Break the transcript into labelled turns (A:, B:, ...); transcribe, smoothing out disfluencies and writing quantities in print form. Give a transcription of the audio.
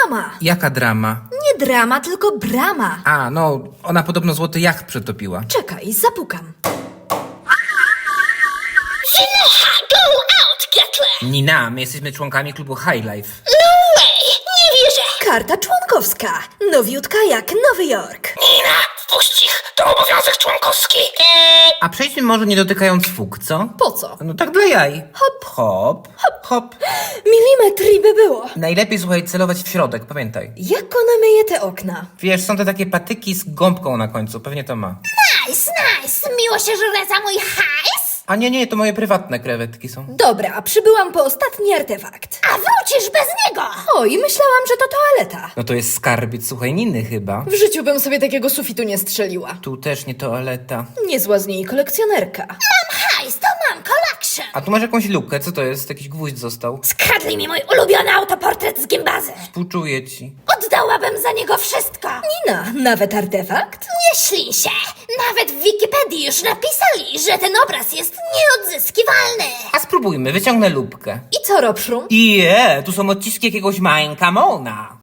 A: drama.
B: Jaka drama?
A: Nie drama, tylko brama.
B: A, no, ona podobno złoty jacht przetopiła.
A: Czekaj, zapukam.
C: Synocha, go out, Gatle!
B: Nina, my jesteśmy członkami klubu High Life.
C: No way, nie wierzę!
A: Karta członkowska. Nowiutka jak Nowy Jork.
C: Nina, wpuść ich, to obowiązek członkowski.
B: A przejdźmy może nie dotykając fug, co?
A: Po co?
B: No tak dla jaj.
A: Hop.
B: Hop, hop.
A: Milimetr i by było.
B: Najlepiej, słuchaj, celować w środek, pamiętaj.
A: Jak ona myje te okna?
B: Wiesz, są te takie patyki z gąbką na końcu, pewnie to ma.
C: Nice, nice, miło się żre za mój hajs.
B: A nie, to moje prywatne krewetki są.
A: Dobra, przybyłam po ostatni artefakt.
C: A wrócisz bez niego.
A: Oj, myślałam, że to toaleta.
B: No to jest skarbiec, słuchaj, Niny chyba.
A: W życiu bym sobie takiego sufitu nie strzeliła.
B: Tu też nie toaleta.
A: Niezła z niej kolekcjonerka.
C: Mam hajs, to mam collection.
B: A tu masz jakąś lukę, co to jest? Jakiś gwóźdź został?
C: Skradli mi mój ulubiony autoportret z gimbazy.
B: Współczuję ci.
C: Oddałabym za niego wszystko.
A: Nina, nawet artefakt?
C: Nie ślij się. Nawet w Wikipedii już napisali, że ten obraz jest nieodzyskiwalny.
B: A spróbujmy, wyciągnę lubkę.
A: I co, Robszrum?
B: Tu są odciski jakiegoś Majnkamona.